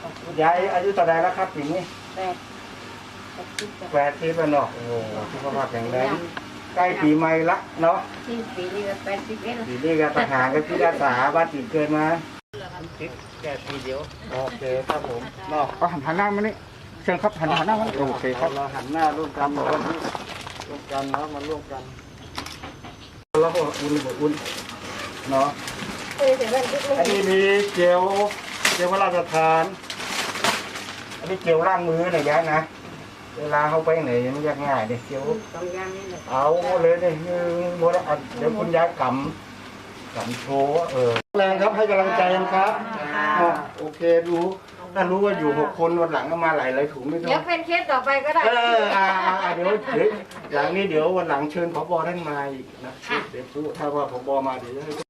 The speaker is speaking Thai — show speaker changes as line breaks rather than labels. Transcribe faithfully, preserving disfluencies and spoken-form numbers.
ยายอายุเท่าไรแล้วครับปีนี้
แปด
แปดสิบแล้วเนาะโอ้โหสุขภาพแข็งแรงใกล้ปีใหม่ละเนาะ
ปีนี้ก็แปดสิบเอ็ด
ปีนี้ก็ทหารก็ที่รักษาบ้านติดเกินมาติดแค่ปีเดียวโอเคครับผมเนาะก็หันหันหน้ามานี่เชิญครับหันหันหน้ามาโอเคครับเราหันหน้าร่วมกันร่วมกันเนาะมาร่วมกันแล้วก็อุ่นอุ่นเนาะอันนี้มีเจลเจลพระราชทานอันนี้เจลล้างมือหน่อยยะนะเวลาเขาไปไหนมันยากง่ายเนี่ยเจลเอาเลยเนี่ยโมดเดี๋ยวคุณยายกำกำโชว์เออแรงครับให้กำลังใจกันครับโอเครู้ถ้ารู้ว่าอยู่หกคนวันหลังก็มาหลายหลายถุงไม่ต้อง
เดี๋ยวเป็นเคสต่อไปก็ได้
เอออ่าเดี๋ยวเดี๋ยวอย่างนี้เดี๋ยววันหลังเชิญผบท่านมาอีกนะเดี๋ยวพูดถ้าว่าผบมาเดี๋ยว